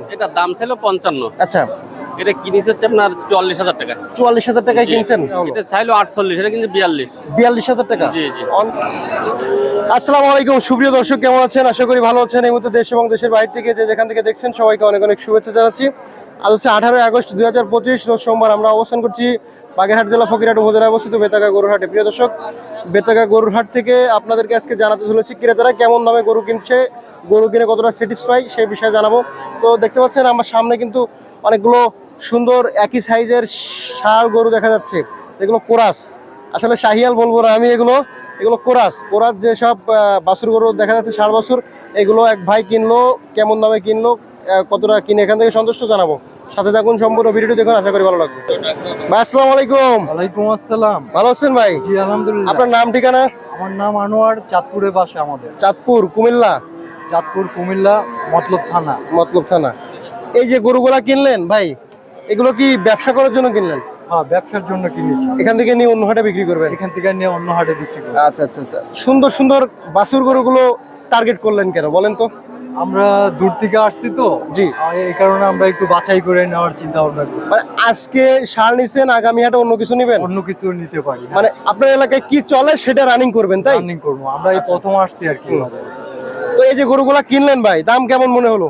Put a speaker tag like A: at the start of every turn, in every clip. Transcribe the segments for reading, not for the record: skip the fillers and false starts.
A: এটা দাম ছিল 55।
B: আচ্ছা,
A: এটা কিনেছে হচ্ছে আপনার 44,000 টাকা।
B: 44,000 টাকায় কিনছেন?
A: এটা চাইলো 48, এটা কিন্তু 42।
B: 42,000 টাকা।
A: জি জি।
B: আসসালামু আলাইকুম সুপ্রিয় দর্শক, কেমন আছেন? আশা করি ভালো আছেন। এই মুহূর্তে দেশ এবং দেশের বাইরে থেকে যে যেখান থেকে দেখছেন সবাইকে অনেক অনেক শুভেচ্ছা জানাচ্ছি। আজ হচ্ছে 18 আগস্ট 2025, রোজ সোমবার। আমরা অবস্থান করছি বাগেরহাট জেলা ফকিরহাট উপজেলায় অবস্থিত বেতাগা গরুর হাটে। প্রিয় দর্শক, বেতাগা গরুর হাট থেকে আপনাদেরকে আজকে জানাতে চলেছি ক্রেতারা কেমন দামে গরু কিনছে, গরু কিনে কতটা স্যাটিসফাই সেই বিষয়ে জানাবো। তো দেখতে পাচ্ছেন আমার সামনে কিন্তু অনেকগুলো সুন্দর একই সাইজের ষাঁড় গরু দেখা যাচ্ছে। এগুলো কোরাস, আসলে শাহিয়াল বলবো না আমি, এগুলো কোরাস যেসব বাছুর গরু দেখা যাচ্ছে, ষাঁড় বাছুর, এগুলো এক ভাই কিনলো। কেমন দামে কিনলো, কতটা কিনে এখান থেকে সন্তুষ্ট জানাবো। সাথে থাকুন, সম্পূর্ণ ভিডিওটি দেখুন, আশা করি ভালো লাগবে। ভাই আসসালামু আলাইকুম।
C: ওয়ালাইকুম আসসালাম।
B: ভালো আছেন ভাই?
C: জি আলহামদুলিল্লাহ।
B: আপনার নাম ঠিকানা?
C: আমার নাম আনোয়ার, চাঁদপুরে বাসা আমাদের।
B: চাঁদপুর, কুমিল্লা?
C: চাঁদপুর, কুমিল্লা, মতলব থানা।
B: মতলব থানা। এই যে গরুগুলা কিনলেন ভাই, এগুলো কি ব্যবসা করার জন্য কিনলেন?
C: হ্যাঁ, ব্যবসার জন্য কিনেছি।
B: এখান থেকে নিয়ে অন্য হাটে বিক্রি করবেন?
C: এখান থেকে নিয়ে অন্য হাটে বিক্রি করব।
B: আচ্ছা আচ্ছা আচ্ছা। সুন্দর সুন্দর বাছুর গরুগুলো টার্গেট করলেন কেন বলেন তো?
C: আমরা দূর থেকে আসছি তো,
B: জি,
C: এই কারণে আমরা একটু বাছাই করে নেওয়ার চিন্তা ভাবনা করছি।
B: মানে আজকে ষাঁড় নিছেন, আগামী হাটে অন্য কিছু নেবেন?
C: অন্য কিছু নিতে পারি,
B: মানে আপনার এলাকায় কি চলে সেটা রানিং করবেন, তাই?
C: রানিং করবো। আমরা এই প্রথম আসছি আর কি বাজারে।
B: তো এই যে গরুগুলা কিনলেন ভাই, দাম কেমন মনে হলো?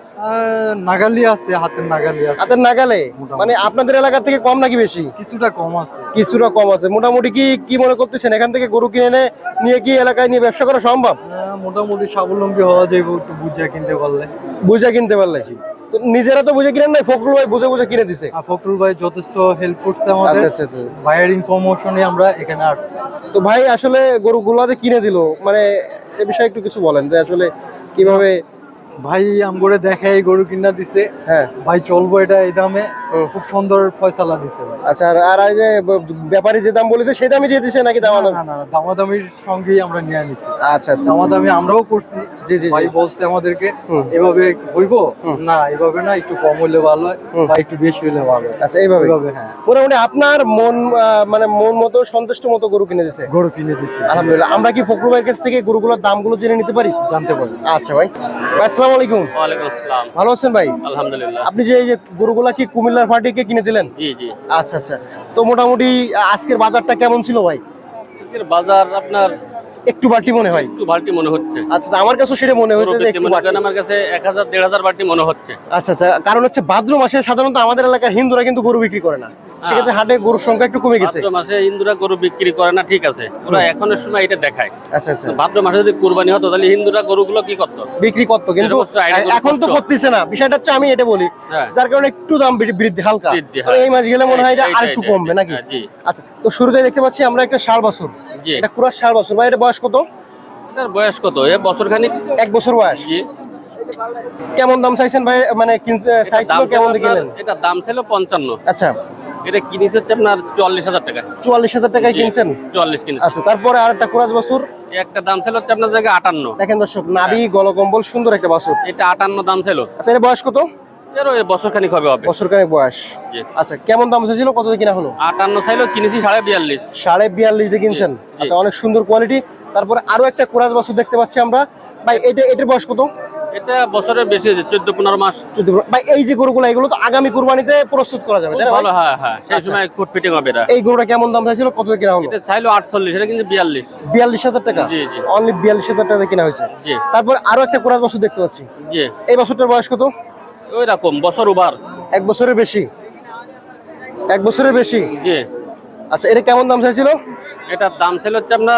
C: নাগালি আছে, হাতের নাগালি আছে।
B: হাতের নাগালে?
C: মোটামুটি।
B: মানে আপনাদের এলাকা থেকে কম নাকি বেশি?
C: কিছুটা কম আছে।
B: কিছুটা কম আছে। মোটামুটি কি মনে করতেছেন এখান থেকে গরু কিনে নিয়ে কি এলাকায় নিয়ে ব্যবসা করা সম্ভব?
C: মোটামুটি স্বাবলম্বী হওয়া যাবে একটু বুঝে কিনতে পারলে।
B: বুঝে কিনতে পারলে? তো নিজেরা তো বুঝে কিনেন নাই, ফখরুল ভাই বুঝে বুঝে কিনে দিছে?
C: ফখরুল ভাই যথেষ্ট হেল্প করছে আমাদের।
B: আচ্ছা আচ্ছা।
C: ভাইয়ের ইনফরমেশনে আমরা এখানে আসছি।
B: তো ভাই আসলে গরুগুলাতে কিনে দিল, মানে এ বিষয়ে একটু কিছু বলেন যে আসলে কিভাবে?
C: ভাই আমগরে দেখাই গরু কিনা দিছে।
B: হ্যাঁ
C: ভাই চলবো এটা এই দামে, খুব সুন্দর ফয়সালা দিছে ভাই।
B: আচ্ছা। আর এই যে ব্যাপারী যে দাম বলেছে সেই দামই দিয়ে দিছে নাকি
C: না
B: দাম?
C: না না, দামাদামির সঙ্গেই আমরা নিয়ে নিছি।
B: আচ্ছা আচ্ছা।
C: দামাদামি আমরাও করছি।
B: জি জি।
C: ভাই বলছে আমাদেরকে
B: হুম।
C: এভাবে হইবো না, এভাবে না, একটু কম হইলে ভালো হয় বা একটু বেশি হইলে ভালো হয়।
B: আচ্ছা এইভাবে?
C: হ্যাঁ,
B: মোটামুটি আপনার মানে মন মতো সন্তুষ্ট মতো গরু কিনে দিছে?
C: গরু কিনে দিছি
B: আলহামদুলিল্লাহ। আমরা কি ফখরুল ভাইয়ের কাছ থেকে গরুগুলোর দামগুলো জেনে নিতে পারি?
C: জানতে পারি।
B: আচ্ছা ভাই। ভাই আসসালামু আলাইকুম।
A: ওয়ালাইকুম আসসালাম।
B: ভালো আছেন ভাই?
A: আলহামদুলিল্লাহ।
B: আপনি যে এই যে গরুগুলা কি কুমিল্লার ফাটিকে কিনে দিলেন?
A: জি জি।
B: আচ্ছা আচ্ছা। তো মোটামুটি আজকের বাজারটা কেমন ছিল ভাই?
A: আজকের বাজার আপনার
B: একটু বাড়তি মনে হয়?
A: একটু বাড়তি মনে হচ্ছে।
B: আচ্ছা আচ্ছা, আমার কাছে সেটা মনে হয়েছে যে একটু
A: মনে
B: বাড়তি।
A: করেন আমার কাছে 1000-1500 বাড়তি মনে হচ্ছে।
B: আচ্ছা আচ্ছা। কারণ হচ্ছে ভাদ্র মাসে সাধারণত আমাদের এলাকার হিন্দুরা কিন্তু গরু বিক্রি করে না, সেক্ষেত্রে হাটে গরুর সংখ্যা একটু কমে গেছে।
A: ভাদ্র মাসে হিন্দুরা গরু বিক্রি করে না, ঠিক আছে, ওরা এখনের সময় এটা দেখায়।
B: আচ্ছা আচ্ছা।
A: ভাদ্র মাসে যদি কুরবানি হতো তাহলে হিন্দুরা গরুগুলো কি করতো?
B: বিক্রি করতো, কিন্তু এখন তো করতেছে না। বিষয়টা হচ্ছে আমি এটা বলি,
A: হ্যাঁ।
B: যার কারণে একটু দাম বৃদ্ধি হালকা।
A: বৃদ্ধি,
B: তবে এই মাস গেলে মনে হয় এটা আরেকটু কমবে নাকি?
A: হ্যাঁ, জি।
B: আচ্ছা, তো শুরুতে দেখতে পাচ্ছি আমরা একটা ষাঁড় বাছুর।
A: জি।
B: এটা কুরাস ষাঁড় বাছুর ভাই, এটা বয়স কত?
A: এটার বয়স কত? এ বছর খানিক।
B: 1 বছর বয়স।
A: জি।
B: কেমন দাম চাইছেন ভাই? মানে চাইছিল কেমন কিনলেন?
A: এটা দাম ছিল 55।
B: আচ্ছা।
A: এটা কিনেছে হচ্ছে আপনার 44,000 টাকা।
B: 44,000 টাকায় কিনছেন?
A: 44 কিনেছে।
B: আচ্ছা, তারপরে আরেকটা কুরাস বাছুর।
A: একটা দাম ছিল হচ্ছে আপনার জায়গায় 58।
B: দেখেন দর্শক, নাভি গলকম্বল সুন্দর একটা বাছুর।
A: এটা 58 দাম ছিল।
B: আচ্ছা, এর বয়স কত?
A: এর বছর খানিক হবে।
B: বছর কানেক বয়স।
A: জি।
B: আচ্ছা, কেমন দাম চাইছিল, কত কিনা হলো?
A: 58 চাইলো, কিনেছি 42.5।
B: 42.5 এ কিনছেন? আচ্ছা, অনেক সুন্দর কোয়ালিটি। তারপরে আরো একটা কুরাস বাছুর দেখতে পাচ্ছি আমরা ভাই, এটার বয়স কত?
A: এটা বছরের বেশি হয়েছে, 14-15 মাস।
B: 14 ভাই। এই যে গরুগুলো, এগুলো তো আগামী কুরবানিতে প্রস্তুত করা যাবে, তাই না?
A: ভালো, হ্যাঁ হ্যাঁ, সেই সময় ফুট ফিটিং হবে এটা।
B: এই গরুটা কেমন দাম চাইছিল, কত কিনা হলো?
A: এটা চাইলো 48, এটা কিন্তু 42।
B: 42,000 টাকা?
A: জি জি।
B: অনলি 42,000 টাকা কিনা হয়েছে।
A: জি।
B: তারপর আরো একটা কুরাস বাছুর দেখতে পাচ্ছি।
A: জি।
B: এই বাছুরটার বয়স কত?
A: ওই রকম বছর ওভার।
B: 1 বছরের বেশি? 1 বছরের বেশি।
A: জি।
B: আচ্ছা, এটা কেমন দাম চাইছিল?
A: এটার দাম ছিল হচ্ছে আপনার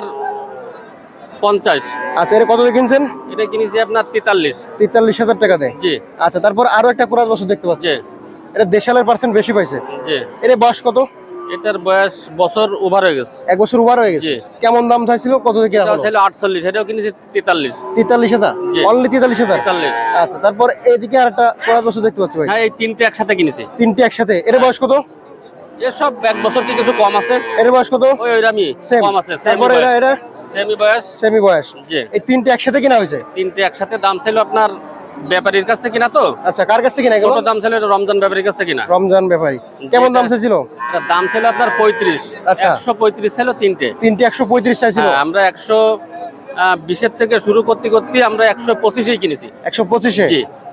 A: 50।
B: আচ্ছা, এটা কত দিয়ে কিনছেন?
A: এটা কিনেছি আপনার 43।
B: 43,000 টাকা দেয়?
A: জি।
B: আচ্ছা, তারপর আরো একটা কুরাস বাছুর দেখতে পাচ্ছি।
A: জি।
B: এটা দেশালের পার্সেন্ট বেশি পাইছে।
A: জি।
B: এর বয়স কত?
A: এটার বয়স বছর ওভার হয়ে গেছে।
B: 1 বছর ওভার হয়ে গেছে?
A: জি।
B: কেমন দাম চাইছিল, কত দিয়ে কিনা
A: এটা
B: হলো?
A: ছিল 48, এটাও কিনেছি 43।
B: 43,000?
A: জি।
B: অনলি 43,000?
A: 43।
B: আচ্ছা, তারপর এইদিকে আরেকটা কুরাস বাছুর দেখতে পাচ্ছি ভাই।
A: হ্যাঁ, এই তিনটে একসাথে কিনেছি।
B: তিনটে একসাথে? এর বয়স কত?
A: এসব 1 বছর কি কিছু কম আছে।
B: এর বয়স কত?
A: ওইরকমই
B: সেম
A: কম আছে।
B: তারপর এটা
A: সেমি বয়স।
B: সেমি বয়স?
A: জি।
B: এই তিনটে একসাথে কিনা হয়েছে?
A: তিনটে একসাথে দাম ছিল আপনার ব্যাপারীর কাছ থেকে কিনা তো।
B: আচ্ছা, কার কাছ থেকে কিনা এগুলো?
A: ছোট দাম ছিল এটা রমজান ব্যাপারীর কাছ থেকে কিনা।
B: রমজান ব্যাপারী। কেমন দাম চাইছিল?
A: এটা দাম ছিল আপনার 35।
B: আচ্ছা।
A: 135 ছিল তিনটে।
B: 135 চাইছিল?
A: হ্যাঁ, আমরা 120 থেকে শুরু করতে করতে আমরা 125 কিনেছি।
B: 125-এ?
A: জি।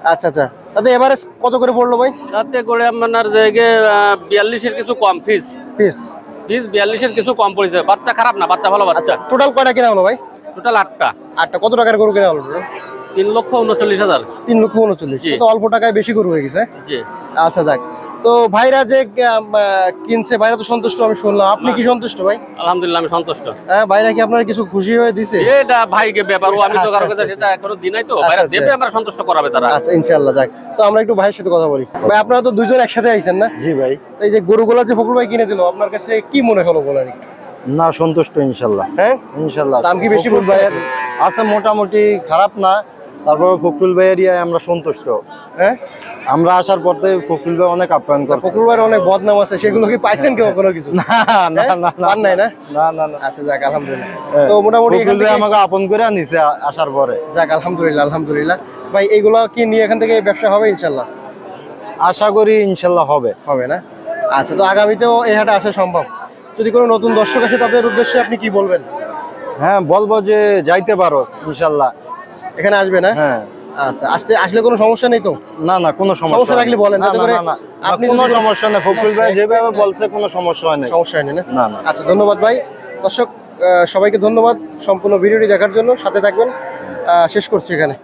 B: আচ্ছা আচ্ছা, তাতে এভারেজ কত করে পড়লো ভাই?
A: তাতে করে আপনার জায়গায় 42-এর কিছু কম ফিস
B: পিস
A: 42-এর কিছু কম পড়েছে। বাচ্চা খারাপ না, বাচ্চা ভালো বাচ্চা।
B: টোটাল কয়টা কেনা হলো ভাই?
A: টোটাল 8টা।
B: আটটা। কত টাকার গরু কেনা হলো?
A: 3,39,000।
B: 3,39,000। তো অল্প টাকায় বেশি গরু হয়ে গেছে।
A: জি।
B: আচ্ছা যাক, তো ভাইরা যে কিনছে, ভাইরা তো সন্তুষ্ট আমি শুনলাম, আপনি কি সন্তুষ্ট ভাই?
A: আলহামদুলিল্লাহ আমি সন্তুষ্ট।
B: হ্যাঁ, ভাইরা কি আপনার কিছু খুশি হয়ে দিছে?
A: এটা ভাইকে ব্যাপার, ও আমি তো কারো কাছে সেটা এখনো দিই নাই, তো
B: আচ্ছা,
A: ভাইরা
B: আচ্ছা।
A: দেবে, আমরা সন্তুষ্ট করাবে তারা।
B: আচ্ছা ইনশাআল্লাহ। যাক, তো আমরা একটু ভাইয়ের সাথে কথা বলি। ভাই আপনারা তো দুইজন একসাথে আইছেন না?
D: জি ভাই।
B: এই যে গরুগুলো যে ফখরুল ভাই কিনে দিল, আপনার কাছে কি মনে হলো বলেন একটু?
D: না, সন্তুষ্ট ইনশাল্লাহ।
B: হ্যাঁ,
D: ইনশাল্লাহ।
B: দাম কি বেশি
D: ফখরুল
B: পড়ছে
D: ভাইয়ের
B: নাকি?
D: আছে মোটামুটি খারাপ না, তারপর ফখরুল ভাইয়ের আমরা সন্তুষ্ট।
B: হ্যাঁ,
D: আমরা আসার পর থেকে ফখরুল ভাই অনেক আপ্যায়ন করছে।
B: ফখরুল ভাইয়ের অনেক বদনাম আছে, সেগুলো কি পাইছেন কেউ কোনো কিছু?
D: না না না
B: পান নাই না?
D: না না না।
B: আচ্ছা যাক, আলহামদুলিল্লাহ। তো মোটামুটি এখান
D: ফখরুল ভাই
B: থেকে
D: আমাকে আপন করে নিছে আসার পরে।
B: যাক, আলহামদুলিল্লাহ আলহামদুলিল্লাহ। ভাই এইগুলো কি নিয়ে এখান থেকে ব্যবসা হবে ইনশাল্লাহ?
D: আশা করি ইনশাল্লাহ হবে।
B: হবে না? আচ্ছা, তো আগামীতেও এই হাটে আসা সম্ভব? যদি কোনো নতুন দর্শক আসে তাদের উদ্দেশ্যে আপনি কি বলবেন?
D: হ্যাঁ, বলবো যে যাইতে পারো ইনশাল্লাহ।
B: এখানে আসবে না?
D: হ্যাঁ।
B: আচ্ছা, আসলে কোনো সমস্যা নেই তো?
D: না না, কোনো
B: সমস্যা থাকলে বলেন,
D: না,
B: যাতে
D: না,
B: করে
D: না, না,
B: আপনি
D: কোনো
B: যদি-
D: সমস্যা নেই। ফখরুল ভাই যেভাবে বলছে কোনো সমস্যা হয় না।
B: সমস্যা হয়নি না?
D: না না।
B: আচ্ছা, ধন্যবাদ ভাই। দর্শক সবাইকে ধন্যবাদ সম্পূর্ণ ভিডিওটি দেখার জন্য। সাথে থাকবেন, শেষ করছি এখানে।